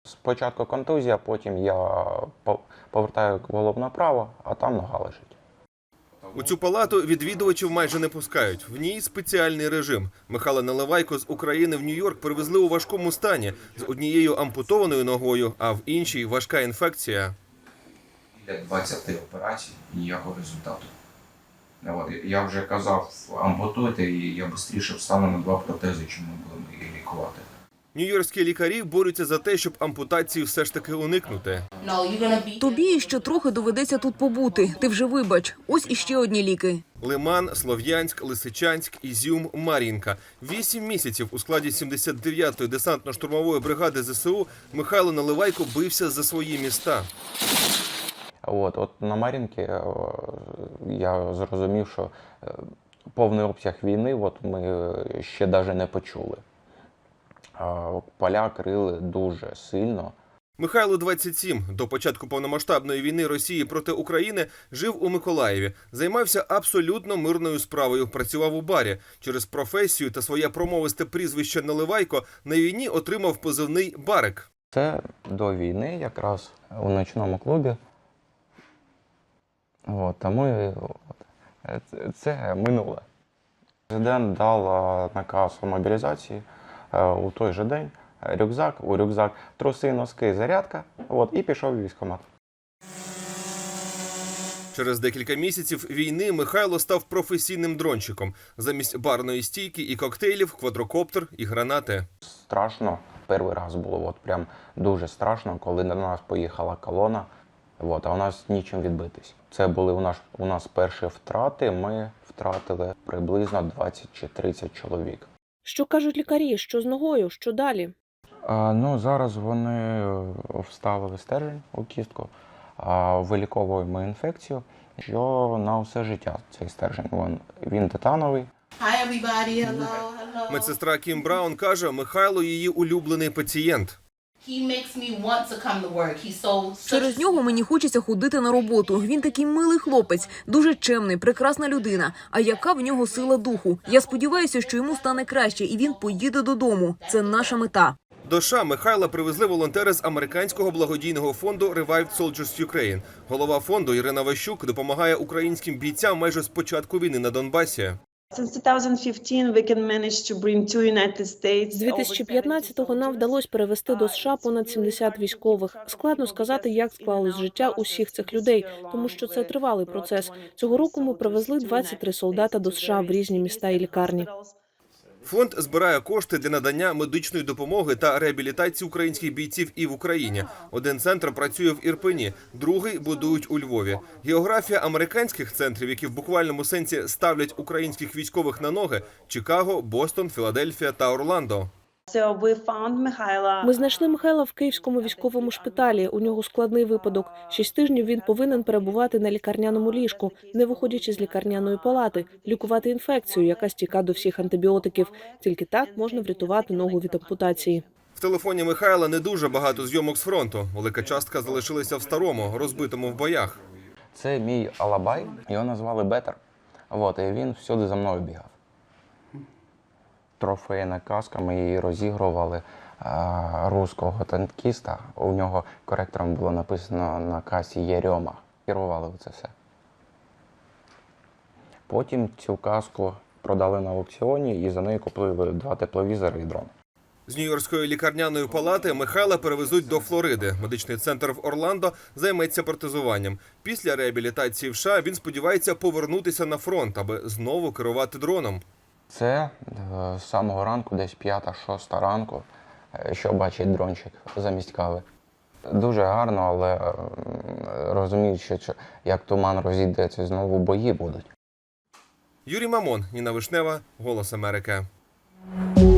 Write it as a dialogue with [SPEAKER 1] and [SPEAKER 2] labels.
[SPEAKER 1] Спочатку контузія, потім я повертаю голову направо, а там нога лежить.
[SPEAKER 2] У цю палату відвідувачів майже не пускають. В ній спеціальний режим. Михайла Наливайко з України в Нью-Йорк привезли у важкому стані з однією ампутованою ногою, а в іншій важка інфекція.
[SPEAKER 3] Для 20 операцій ніякого результату. Я вже казав, ампутуйте, і я швидше встану на 2 протези, чим ми будемо її лікувати.
[SPEAKER 2] Нью-Йоркські лікарі борються за те, щоб ампутації все ж таки уникнути.
[SPEAKER 4] Тобі ще трохи доведеться тут побути. Ти вже вибач. Ось іще одні ліки.
[SPEAKER 2] Лиман, Слов'янськ, Лисичанськ, Ізюм, Мар'їнка. 8 місяців у складі 79-ї десантно-штурмової бригади ЗСУ Михайло Наливайко бився за свої міста.
[SPEAKER 1] От на Мар'їнці я зрозумів, що повний обсяг війни ми ще навіть не почули. Поля крили дуже сильно.
[SPEAKER 2] Михайлу 27. До початку повномасштабної війни Росії проти України жив у Миколаєві. Займався абсолютно мирною справою. Працював у барі. Через професію та своє промовисте прізвище Наливайко на війні отримав позивний «Барик».
[SPEAKER 1] Це до війни якраз у ночному клубі. Це минуле. Президент дав наказ у мобілізації у той же день. У рюкзак труси, носки, зарядка, і пішов у військкомат.
[SPEAKER 2] Через декілька місяців війни Михайло став професійним дрончиком. Замість барної стійки і коктейлів – квадрокоптер і гранати.
[SPEAKER 1] Страшно. Перший раз було прям дуже страшно, коли на нас поїхала колона, а у нас нічим відбитись. Це були у нас перші втрати, ми втратили приблизно 20 чи 30 чоловік.
[SPEAKER 5] Що кажуть лікарі? Що з ногою? Що далі?
[SPEAKER 1] Зараз вони вставили стержень у кістку, виліковуємо інфекцію, що на все життя цей стержень. Він титановий.
[SPEAKER 6] Hi everybody, hello, hello.
[SPEAKER 2] Медсестра Кім Браун каже, Михайло – її улюблений пацієнт.
[SPEAKER 6] He makes me want to come to work. He's so
[SPEAKER 4] Через нього мені хочеться ходити на роботу. Він такий милий хлопець, дуже чемний, прекрасна людина. А яка в нього сила духу? Я сподіваюся, що йому стане краще і він поїде додому. Це наша мета.
[SPEAKER 2] До США Михайла привезли волонтери з американського благодійного фонду Revived Soldiers Ukraine. Голова фонду Ірина Ващук допомагає українським бійцям майже з початку війни на Донбасі.
[SPEAKER 5] З 2015-го нам вдалося перевести до США понад 70 військових. Складно сказати, як склалось життя усіх цих людей, тому що це тривалий процес. Цього року ми привезли 23 солдата до США в різні міста і лікарні.
[SPEAKER 2] Фонд збирає кошти для надання медичної допомоги та реабілітації українських бійців і в Україні. Один центр працює в Ірпені, другий будують у Львові. Географія американських центрів, які в буквальному сенсі ставлять українських військових на ноги – Чикаго, Бостон, Філадельфія та Орландо.
[SPEAKER 5] Ми знайшли Михайла в Київському військовому шпиталі. У нього складний випадок. 6 тижнів він повинен перебувати на лікарняному ліжку, не виходячи з лікарняної палати, лікувати інфекцію, яка стіка до всіх антибіотиків. Тільки так можна врятувати ногу від ампутації.
[SPEAKER 2] В телефоні Михайла не дуже багато зйомок з фронту. Велика частка залишилася в старому, розбитому в боях.
[SPEAKER 1] Це мій алабай, його назвали Бетер. І він всюди за мною бігав. Трофейна каска, ми її розігрували руського танкіста. У нього коректором було написано на касі «Єрьома». Керували це все. Потім цю каску продали на аукціоні і за неї купили 2 тепловізори і дрон.
[SPEAKER 2] З Нью-Йоркської лікарняної палати Михайла перевезуть до Флориди. Медичний центр в Орландо займеться протезуванням. Після реабілітації в США він сподівається повернутися на фронт, аби знову керувати дроном.
[SPEAKER 1] Це з самого ранку, десь 5-6 ранку, що бачить дрончик замість кави. Дуже гарно, але розуміючи, як туман розійдеться, знову бої будуть.
[SPEAKER 2] Юрій Мамон, Ніна Вишнева, «Голос Америки».